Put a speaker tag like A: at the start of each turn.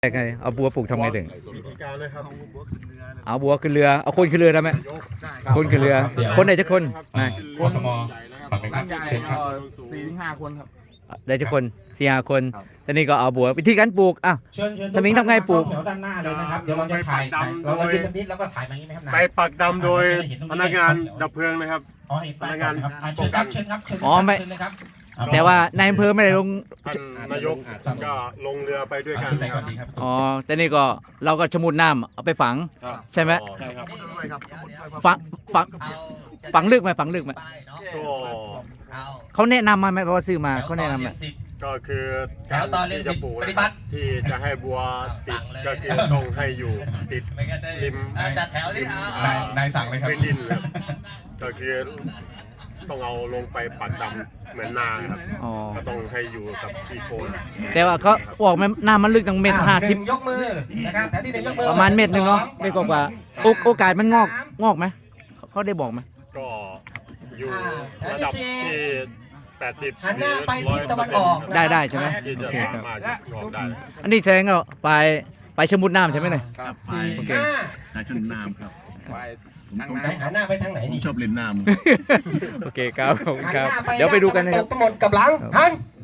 A: ไงเอาบัวปลูกทำไงถึง
B: วิธีการเลยครับ
A: เอาบัวขึ้นเรือเอาคนขึ้นเรือได้ไหมคนขึ้นเรือคนไหนจะคนไม่
C: กสมฝากเป็นครับเชิญครับ
D: 4-5 คนครับ
A: ได้จะคน4-5 คนทีนี้ก็เอาบัววิธีการปลูกอ่ะ
E: เชิญ
A: สมิงทำไงปลูก
E: แถวด้านหน้าเลยนะครับเดี๋ยวเราจะถ่ายเรายืนตรงนี้แล้วก็ถ่ายมาอย่างนี้ไหมครับนาย
B: ไปปักดำโดยพนักงานดับเพลิงนะครับ
E: อ๋อเห็นป้ายก่อนนะครับเชิญครับเชิญครับเชิญ
A: อ๋อไม่
E: เชิญเลยครับ
A: แต่ว่านายอำเภอไม่ได้ลง
B: ท่านนายกก็ลงเรือไปด้วยกัน
C: ชุดไหน
B: นะค
C: ก่อ
B: รั
C: น
B: บ
C: ดีครับ
A: อ๋อแต่นี่ก็เราก็ชะมุดน้ำเอาไปฝังใช่ไหม
B: ใช่ครับ
A: ฝังฝังฝังลึกไหมฝังลึกไหม
B: ก็
A: เขาแนะนำมาไหมเพราะว่าซื้อมาเขาแนะนำไหม
B: ก็คือการที่จะปลูกนะครับที่จะให้บัวติดก็คือต้องให้อยู่ติดริม
D: จัดแถวนี่
C: นายสั่งเลยครับ
B: พื้นดินครับก็คือต้องเอาลงไปปักดำเหมือนนาครับ
A: อ๋อ
B: ก็ต้องให้อยู่กับซีโคน
A: แต่ว่าเขาบอกไหมน้ำมันลึกตั้งเมตร
E: ห
A: 50
E: นึ่งยกมือนะครับแถวที่หนึ่งยกมือ
A: ประมาณเม็ดหนึ่งเนาะไม่กว่าโอกาสมันงอกไหมเขาได้บอกไหม
B: ก็อยู่ระดับที่80
E: หันหน้าไปทิศตะวันออก
A: ได้ใช่ไหม
B: ที่จะ
A: โอเค
B: สามารถงอกได้
A: อันนี้แสดงว่าไปชะมุดน้ำใช่ไหมเนี่ย
F: ครับไป
A: โอเค
E: ห้า
F: นายชนน้ำครับไปผมชอบ
E: ไหนหันหน้าไปทางไหน
F: ผม
E: นี่
F: ชอบเล่นน้ำ
A: โอเคครับขอบคุณ
E: หัน
A: ครับ
E: หน้าไป
A: เดี๋ยวไปดูกันนะครับ
E: ตกหมดกับหลังหัน